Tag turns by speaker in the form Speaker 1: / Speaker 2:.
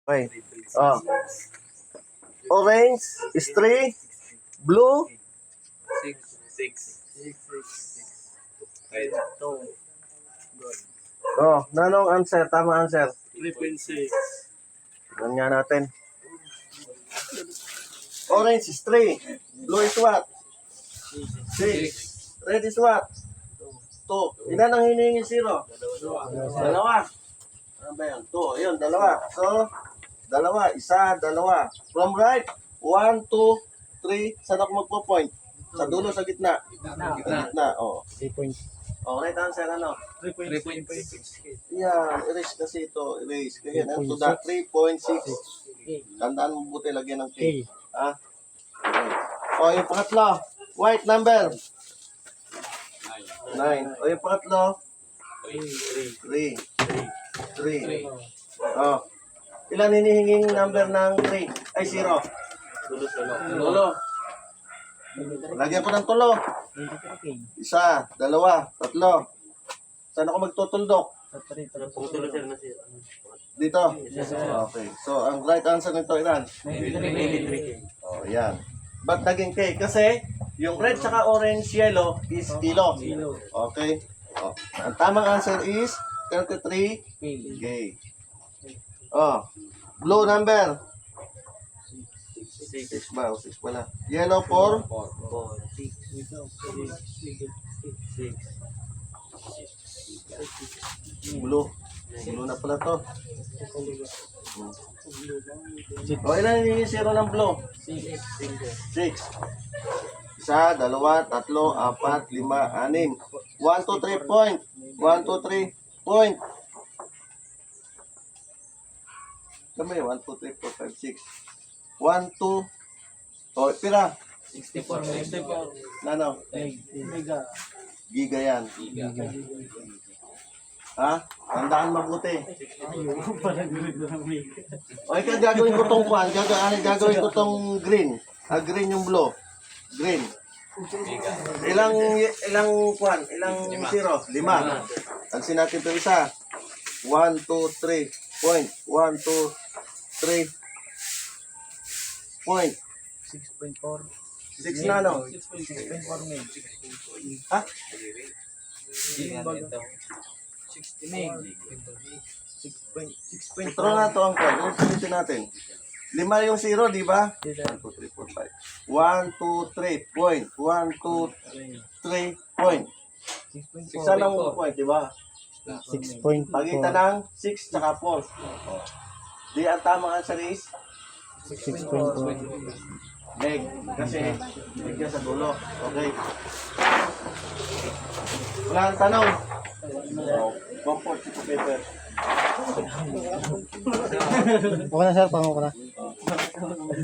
Speaker 1: Okay. Oh. Orange is 3. Blue.
Speaker 2: 6.
Speaker 1: Oh, nanong answer? Tama answer.
Speaker 2: 3.6.
Speaker 1: Tignan nga natin. Orange is 3. Blue is what? 6. Red is what? 2. Ilan ang hinihingi 0? Dalawa. Ano ba yan? 2. Ayun, dalawa. So, dalawa. Isa, dalawa. From right, 1, 2, 3. Saan ako magpo-point? Sa dulo, sa gitna. Sa gitna, oh.
Speaker 3: 3 points.
Speaker 1: Oh, right answer, ano?
Speaker 2: 3.6.
Speaker 1: Yan, erase kasi ito. Erase. Kaya yan, to that 3.6. Tandaan mo buti, lagyan ng K. Ha? Okay. O, yung pangatlo. White number. 9. O, yung pangatlo. 3. 3. O. Ilan hinihinging number ng 3? Ay, 0. Tulo. Lagyan ko ng tulo. Isa, dalawa, tatlo. Saan ako magtutuldok? Dito? Okay. So, ang right answer nito ilan?
Speaker 2: 93.
Speaker 1: Oh, yan. Ba't naging K? Kasi, yung red saka orange yellow is kilo. Okay? Oh. Ang tamang answer is 33 K. Oh. Blue number. 6 ba? O 6 pala. Yellow 4. Blue. Blue na pala to. O, ilan yung 0 ng blue? 6. Isa, dalawa, tatlo, apat, lima, anim. 1, 2, 3 point. 1, 2, 3 point. Kami, 1, 2, 3, 4, 5, 6. 1, 2. O, pira.
Speaker 2: 64.
Speaker 1: Ano? Giga yan. Ha? Tandaan mabuti. O, ikaw gagawin ko tong kwan. Gagawin ko tong green. Green yung blue. Green. Ilang kwan? Ilang 0? 5. Tansin natin ito isa. 1, 2, 3. Point. 1, 2, 3. Point.
Speaker 3: 6.4.
Speaker 1: 6 na, no?
Speaker 3: 6.4 men.
Speaker 1: Ha?
Speaker 3: 6.4.
Speaker 1: Ito na ito ang kwan. Ulitin natin. 5 yung 0, di ba? 1, 2, 3, 4, 5. 1, 2, 3. Point. 1, 2, 3. Point. Isa lang mo point, di ba?
Speaker 3: 6.4.
Speaker 1: Pagitan ng 6 tsaka 4. Di ang tamang answer is
Speaker 3: 6.4.
Speaker 1: leg. Kasi leg yan sa dulo. Okay. Wala ang tanong. Comfort sa paper.
Speaker 3: Okay na sir, pango ko na.